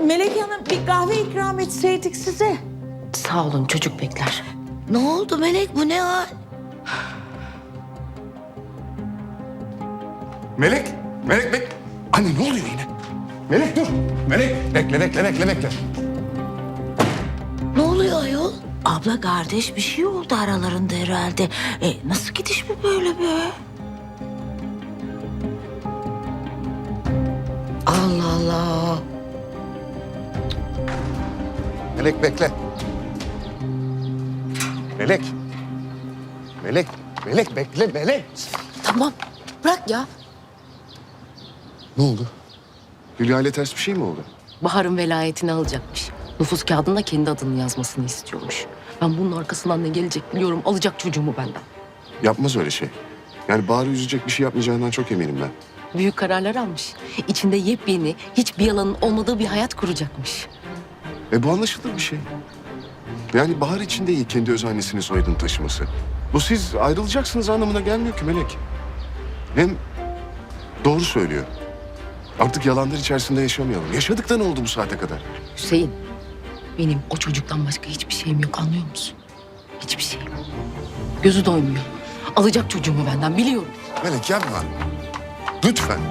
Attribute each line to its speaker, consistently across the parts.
Speaker 1: Melek Hanım, bir kahve ikram etseydik size.
Speaker 2: Sağ olun, çocuk bekler.
Speaker 3: Ne oldu Melek, bu ne hal?
Speaker 4: Melek, Melek bek. Anne ne oluyor yine? Melek dur. Melek bekle.
Speaker 3: Ne oluyor ayol? Abla kardeş bir şey oldu aralarında herhalde. Nasıl gidiş bu böyle be? Allah Allah.
Speaker 4: Melek bekle. Melek. Melek bekle Melek.
Speaker 2: Tamam, bırak ya.
Speaker 4: Ne oldu? Hülya ile ters bir şey mi oldu?
Speaker 2: Bahar'ın velayetini alacakmış. Nüfus kağıdına kendi adını yazmasını istiyormuş. Ben bunun arkasından ne gelecek biliyorum. Alacak çocuğumu benden.
Speaker 4: Yapmaz öyle şey. Yani Bahar'ı üzecek bir şey yapmayacağından çok eminim ben.
Speaker 2: Büyük kararlar almış. İçinde yepyeni, hiçbir yalanın olmadığı bir hayat kuracakmış.
Speaker 4: Bu anlaşılır bir şey. Yani Bahar için de iyi kendi öz annesinin soyadını taşıması. Bu siz ayrılacaksınız anlamına gelmiyor ki Melek. Hem doğru söylüyor. Artık yalanlar içerisinde yaşamayalım. Yaşadık da ne oldu bu saate kadar?
Speaker 2: Hüseyin, benim o çocuktan başka hiçbir şeyim yok, anlıyor musun? Hiçbir şeyim. Gözü doymuyor. Alacak çocuğumu benden, biliyorum.
Speaker 4: Melek yapma. Lütfen.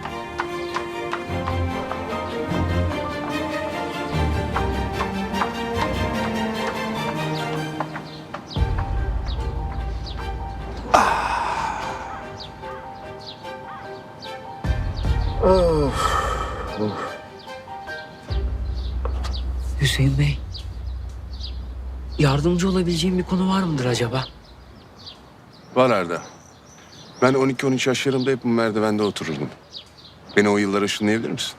Speaker 5: Hüseyin Bey, yardımcı olabileceğim bir konu var mıdır acaba?
Speaker 4: Var Arda. Ben 12-13 yaşlarımda hep bu merdivende otururdum. Beni o yıllara ışınlayabilir misin?